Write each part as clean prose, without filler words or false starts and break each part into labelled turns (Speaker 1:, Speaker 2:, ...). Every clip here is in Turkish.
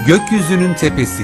Speaker 1: Gökyüzünün tepesi.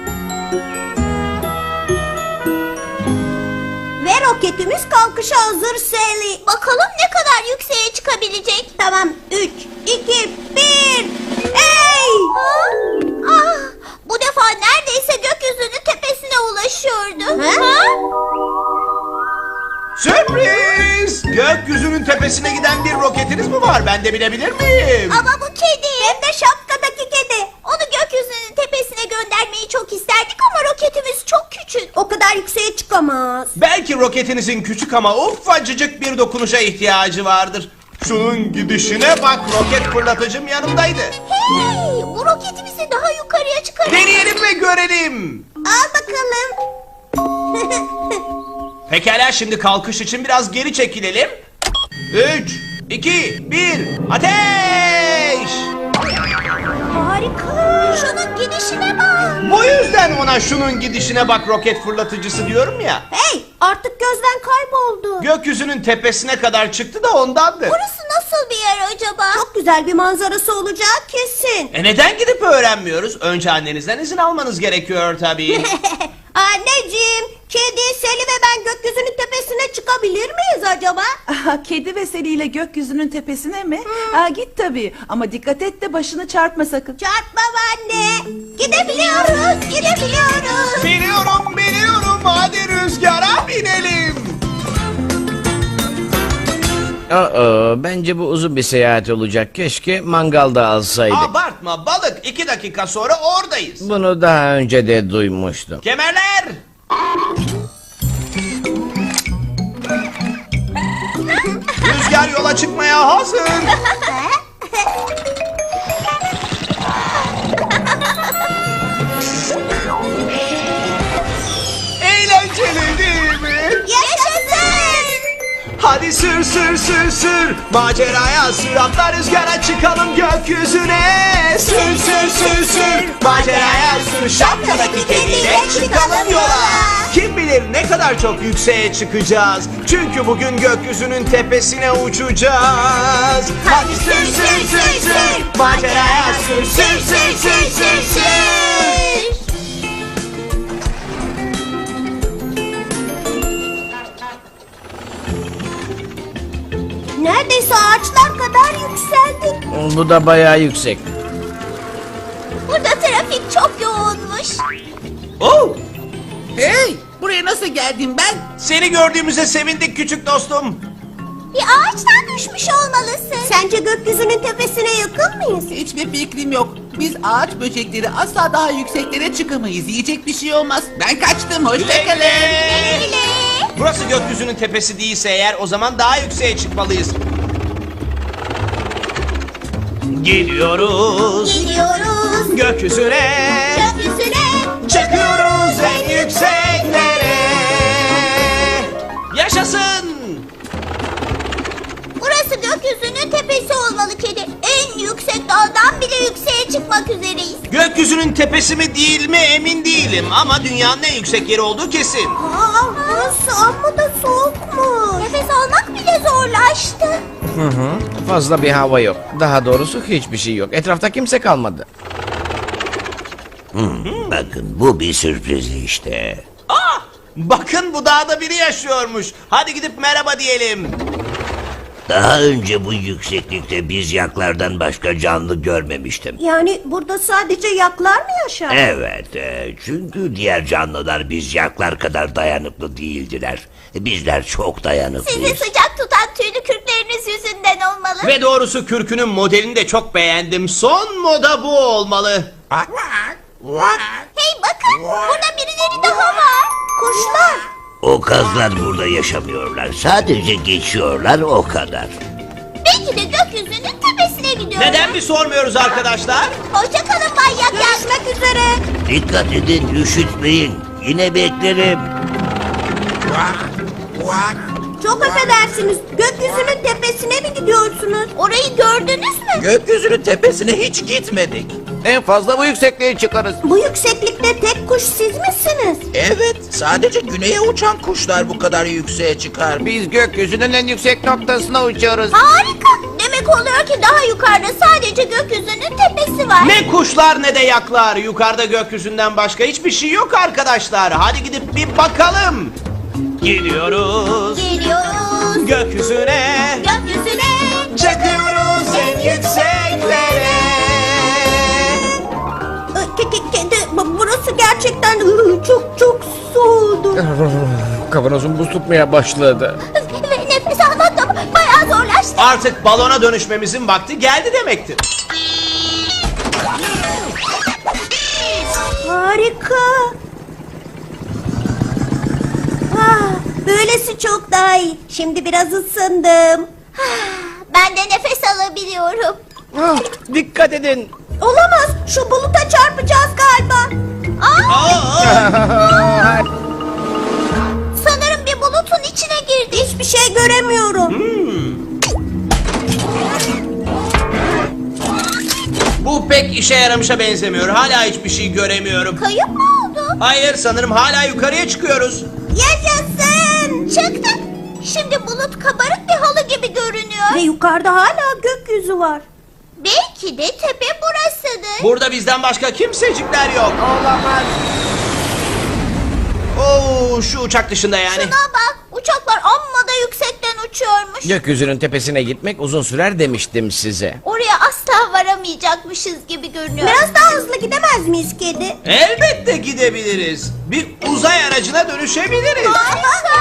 Speaker 2: Ve roketimiz kalkışa hazır Sally.
Speaker 3: Bakalım ne kadar yükseğe çıkabilecek.
Speaker 2: Tamam, 3, 2, 1. Hey!
Speaker 3: Ah, bu defa neredeyse gökyüzünün tepesine ulaşıyordu.
Speaker 2: Ha?
Speaker 4: Sürpriz! Gökyüzünün tepesine giden bir roketiniz mi var? Ben de bilebilir miyim?
Speaker 3: Ama bu kedi.
Speaker 2: Hem de şapkadaki kedi.
Speaker 3: Onu gökyüzünün tepesine göndermeyi çok isterdik ama roketimiz çok küçük.
Speaker 2: O kadar yükseğe çıkamaz.
Speaker 4: Belki roketinizin küçük ama ufacık bir dokunuşa ihtiyacı vardır. Şunun gidişine bak, roket fırlatıcım yanımdaydı.
Speaker 3: Hey, bu roketimizi daha yukarıya çıkarır.
Speaker 4: Deneyelim ve görelim.
Speaker 2: Al bakalım.
Speaker 4: Pekala, şimdi kalkış için biraz geri çekilelim. 3, 2, 1, ateş!
Speaker 2: Harika.
Speaker 3: Şunun gidişine bak.
Speaker 4: Bu yüzden ona şunun gidişine bak roket fırlatıcısı diyorum ya.
Speaker 2: Hey, artık gözden kayboldu.
Speaker 4: Gökyüzünün tepesine kadar çıktı da ondandır.
Speaker 3: Burası nasıl bir yer acaba?
Speaker 2: Çok güzel bir manzarası olacağı kesin.
Speaker 4: Neden gidip öğrenmiyoruz? Önce annenizden izin almanız gerekiyor tabii.
Speaker 2: Anneciğim, kedi, Sally ve ben gökyüzünün tepesine çıkabilir miyiz acaba?
Speaker 5: Aha, kedi ve Sally ile gökyüzünün tepesine mi? Aa, git tabii ama dikkat et de başını çarpma sakın.
Speaker 2: Çarpmam anne. Gidebiliyoruz, gidebiliyoruz.
Speaker 4: Biliyorum. Hadi rüzgara binelim.
Speaker 6: Bence bu uzun bir seyahat olacak. Keşke mangalda alsaydık.
Speaker 4: Abartma balık. 2 dakika sonra oradayız.
Speaker 6: Bunu daha önce de duymuştum.
Speaker 4: Kemerler. Rüzgar yola çıkmaya hazır. Eğlenceli değil mi?
Speaker 3: Yaşasın.
Speaker 4: Hadi sür. Maceraya sür, atla rüzgara çıkalım gökyüzüne. Sür. Maceraya sür, şapkadaki kediyle çıkalım yola. Kim bilir ne kadar çok yükseğe çıkacağız. Çünkü bugün gökyüzünün tepesine uçacağız. Hadi sür. Maceraya sür.
Speaker 2: Neredeyse ağaçlar kadar yükseldik.
Speaker 6: Bu da bayağı yüksek.
Speaker 3: Burada trafik çok yoğunmuş.
Speaker 4: Oh!
Speaker 7: Hey! Buraya nasıl geldim ben?
Speaker 4: Seni gördüğümüze sevindik küçük dostum.
Speaker 3: Bir ağaçtan düşmüş olmalısın.
Speaker 2: Sence gökyüzünün tepesine yakın mıyız?
Speaker 7: Hiçbir fikrim yok. Biz ağaç böcekleri asla daha yükseklere çıkamayız. Yiyecek bir şey olmaz. Ben kaçtım. Hoşçakalın.
Speaker 3: Güle.
Speaker 4: Burası gökyüzünün tepesi değilse eğer o zaman daha yükseğe çıkmalıyız. Gidiyoruz
Speaker 3: Gidiyoruz
Speaker 4: gökyüzüne.
Speaker 3: gökyüzüne.
Speaker 4: Çıkıyoruz en yükseklere. Yaşasın.
Speaker 3: Burası gökyüzünün tepesi olmalı kedi. En yüksek dağdan bile yükseğe çıkmak üzereyiz.
Speaker 4: Gökyüzünün tepesi mi değil mi emin değilim ama dünyanın en yüksek yeri olduğu kesin.
Speaker 2: Burası amma da soğukmuş.
Speaker 3: Nefes almak bile zorlaştı.
Speaker 6: Fazla bir hava yok. Daha doğrusu hiçbir şey yok. Etrafta kimse kalmadı.
Speaker 8: Bakın bu bir sürpriz işte.
Speaker 4: Bakın bu dağda biri yaşıyormuş. Hadi gidip merhaba diyelim.
Speaker 8: Daha önce bu yükseklikte biz yaklardan başka canlı görmemiştim.
Speaker 2: Yani burada sadece yaklar mı yaşar?
Speaker 8: Evet, çünkü diğer canlılar biz yaklar kadar dayanıklı değildiler. Bizler çok
Speaker 3: Sizi
Speaker 8: dayanıklıyız.
Speaker 3: sıcak tutan tüylü kürkleriniz yüzünden olmalı.
Speaker 4: Ve doğrusu kürkünün modelini de çok beğendim. Son moda bu olmalı.
Speaker 3: Hey bakın burada birileri daha var.
Speaker 2: Kuşlar.
Speaker 8: O kazlar burada yaşamıyorlar. Sadece geçiyorlar o kadar.
Speaker 3: Belki de gökyüzünün tepesine gidiyorlar.
Speaker 4: Neden mi sormuyoruz arkadaşlar?
Speaker 3: Hoşçakalın manyak.
Speaker 2: Görüşmek üzere.
Speaker 8: Dikkat edin, üşütmeyin. Yine beklerim.
Speaker 2: Çok affedersiniz. Gökyüzünün tepesine mi gidiyorsunuz?
Speaker 3: Orayı gördünüz mü?
Speaker 7: Gökyüzünün tepesine hiç gitmedik.
Speaker 6: En fazla bu yüksekliğe çıkarız.
Speaker 2: Bu yükseklikte tek kuş siz misiniz?
Speaker 7: Evet, sadece güneye uçan kuşlar bu kadar yükseğe çıkar.
Speaker 6: Biz gökyüzünün en yüksek noktasına uçuyoruz.
Speaker 3: Harika. Demek demek oluyor ki daha yukarıda sadece gökyüzünün tepesi var.
Speaker 4: Ne kuşlar ne de yaklar. Yukarıda gökyüzünden başka hiçbir şey yok arkadaşlar. Hadi gidip bir bakalım. Gidiyoruz
Speaker 3: Geliyoruz
Speaker 4: gökyüzüne.
Speaker 3: gökyüzüne.
Speaker 4: Çıkıyoruz en yükseklere.
Speaker 2: Kedi, burası gerçekten çok soğudu.
Speaker 6: Kavanozum buz tutmaya başladı.
Speaker 3: Ve nefes almak da bayağı zorlaştı.
Speaker 4: Artık balona dönüşmemizin vakti geldi demektir.
Speaker 2: Harika. Böylesi çok daha iyi. Şimdi biraz ısındım.
Speaker 3: Ben de nefes alabiliyorum.
Speaker 6: Ah, dikkat edin.
Speaker 2: Olamaz. Şu buluta çarpacağız galiba.
Speaker 3: Sanırım bir bulutun içine girdi.
Speaker 2: Hiçbir şey göremiyorum.
Speaker 4: Bu pek işe yaramışa benzemiyor. Hala hiçbir şey göremiyorum.
Speaker 3: Kayıp mı oldu?
Speaker 4: Hayır, sanırım hala yukarıya çıkıyoruz.
Speaker 3: Yaşasın! Çıktık. Şimdi bulut kabarık bir halı gibi görünüyor.
Speaker 2: Ve yukarıda hala gökyüzü var.
Speaker 3: Belki de tepe burasıdır.
Speaker 4: Burada bizden başka kimsecikler yok. Olamaz. Oo, şu uçak dışında yani.
Speaker 3: Şuna bak, uçaklar amma da yüksekten uçuyormuş.
Speaker 6: Gökyüzünün tepesine gitmek uzun sürer demiştim size.
Speaker 3: Oraya asla varamayacakmışız gibi görünüyor.
Speaker 2: Biraz daha hızlı gidemez miyiz kedi?
Speaker 4: Elbette gidebiliriz. Bir uzay aracına dönüşebiliriz.
Speaker 3: Harika!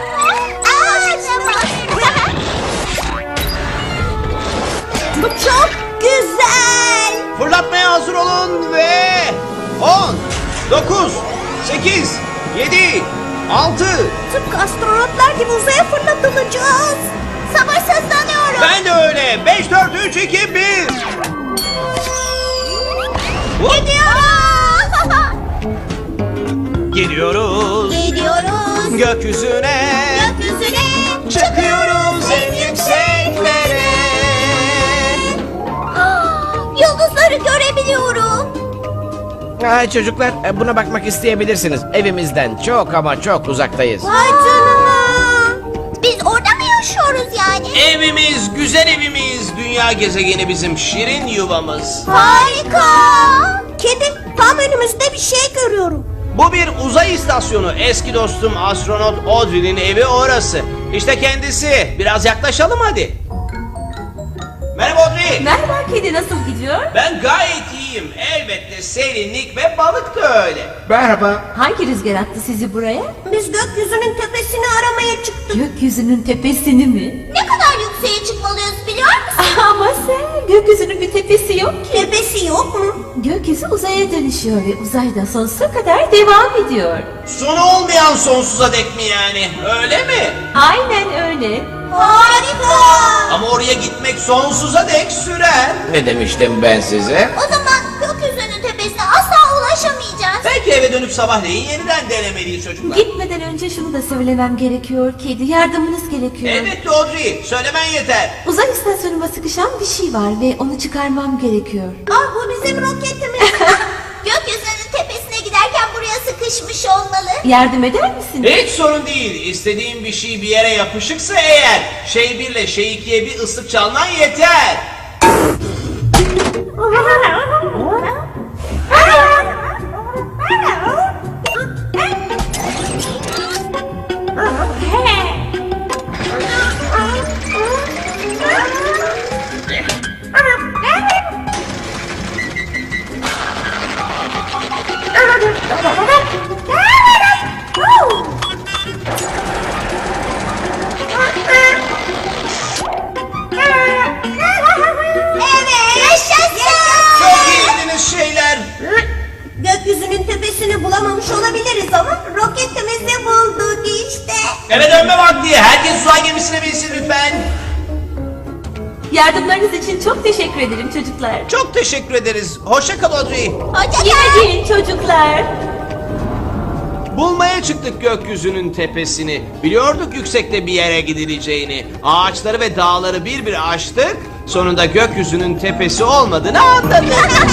Speaker 2: Bu çok güzel.
Speaker 4: Fırlatmaya hazır olun ve 10, 9, 8, 7, 6.
Speaker 2: Tıpkı astronotlar gibi uzaya fırlatılacağız.
Speaker 3: Sabırsızlanıyorum.
Speaker 4: Ben de öyle. 5, 4, 3, 2, 1. Gidiyoruz
Speaker 3: Gidiyoruz
Speaker 4: gökyüzüne.
Speaker 3: gökyüzüne.
Speaker 4: Çıkıyoruz en yükseklere.
Speaker 3: Yıldızları görebiliyorum.
Speaker 6: Çocuklar buna bakmak isteyebilirsiniz. Evimizden çok ama çok uzaktayız.
Speaker 2: Vay canına.
Speaker 3: Biz orada mı yaşıyoruz yani?
Speaker 4: Evimiz, güzel evimiz. Dünya gezegeni bizim şirin yuvamız.
Speaker 3: Harika.
Speaker 2: Kedi, tam önümüzde bir şey görüyorum.
Speaker 4: Bu bir uzay istasyonu. Eski dostum astronot Audrey'nin evi orası. İşte kendisi. Biraz yaklaşalım hadi. Merhaba Audrey.
Speaker 1: Merhaba kedi, nasıl gidiyor?
Speaker 4: Ben gayet iyiyim. Elbette serinlik ve balık da öyle.
Speaker 1: Hangi rüzgar attı sizi buraya?
Speaker 2: Biz gökyüzünün tepesini aramaya çıktık.
Speaker 1: Gökyüzünün tepesini mi?
Speaker 3: Ne kadar yükseğe çıkmalıyız biliyor musun?
Speaker 1: Ama sen, gökyüzünün bir tepesi yok ki.
Speaker 2: Tepesi yok mu?
Speaker 1: Gökyüzü uzaya dönüşüyor ve uzayda sonsuza kadar devam ediyor.
Speaker 4: Sonu olmayan sonsuza dek mi yani? Öyle mi?
Speaker 1: Aynen öyle.
Speaker 3: Harika.
Speaker 4: Ama oraya gitmek sonsuza dek sürer.
Speaker 6: Ne demiştim ben size?
Speaker 3: O zaman gökyüzünün tepesine asla ulaşamayacağız.
Speaker 4: Belki eve dönüp sabahleyin yeniden denemeliyiz çocuklar.
Speaker 1: Gitmeden önce şunu da söylemem gerekiyor kedi, yardımınız gerekiyor.
Speaker 4: Elbette Audrey. Söylemen yeter.
Speaker 1: Uzay istasyonuma sıkışan bir şey var ve onu çıkarmam gerekiyor.
Speaker 2: Ah, bu bizim roketimiz.
Speaker 3: Gökyüzünün tepesine giderken buraya sıkışmış olmalı.
Speaker 1: Yardım eder misin?
Speaker 4: Hiç sorun değil. İstediğin bir şey bir yere yapışıksa eğer şey 1 ile şey 2'ye bir ıslık çalman yeter.
Speaker 3: Evet. Yaşasın.
Speaker 4: Çok iyiydiniz şeyler.
Speaker 2: Gökyüzünün tepesini bulamamış olabiliriz ama roketimizi bulduk işte.
Speaker 4: Eve dönme vakti. Herkes uzay gemisine binsin lütfen.
Speaker 1: Yardımlarınız için çok teşekkür ederim çocuklar.
Speaker 4: Çok teşekkür ederiz. Hoşça kal Audrey.
Speaker 3: Hoşça
Speaker 1: Yine
Speaker 3: kal.
Speaker 1: gelin çocuklar.
Speaker 4: Bulmaya çıktık gökyüzünün tepesini. Biliyorduk yüksekte bir yere gidileceğini. Ağaçları ve dağları bir bir aştık. Sonunda gökyüzünün tepesi olmadığını anladık.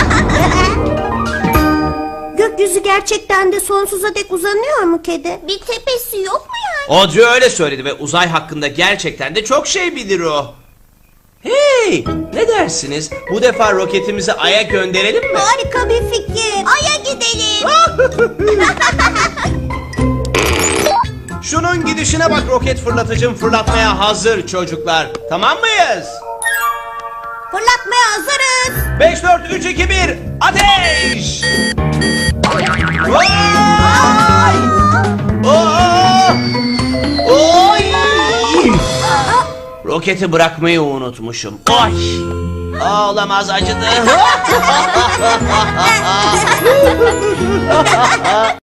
Speaker 2: Gökyüzü gerçekten de sonsuza dek uzanıyor mu kedi?
Speaker 3: Bir tepesi yok mu yani?
Speaker 4: Audrey öyle söyledi ve uzay hakkında gerçekten de çok şey bilir o. Hey, ne dersiniz? Bu defa roketimizi Ay'a gönderelim mi?
Speaker 2: Harika bir fikir.
Speaker 3: Ay'a gidelim.
Speaker 4: Şunun gidişine bak, roket fırlatıcım fırlatmaya hazır çocuklar. Tamam mıyız?
Speaker 2: Fırlatmaya hazırız.
Speaker 4: 5, 4, 3, 2, 1, ateş! Vay! Oo! Oy! Roketi bırakmayı unutmuşum. Oy! Olamaz, acıdı.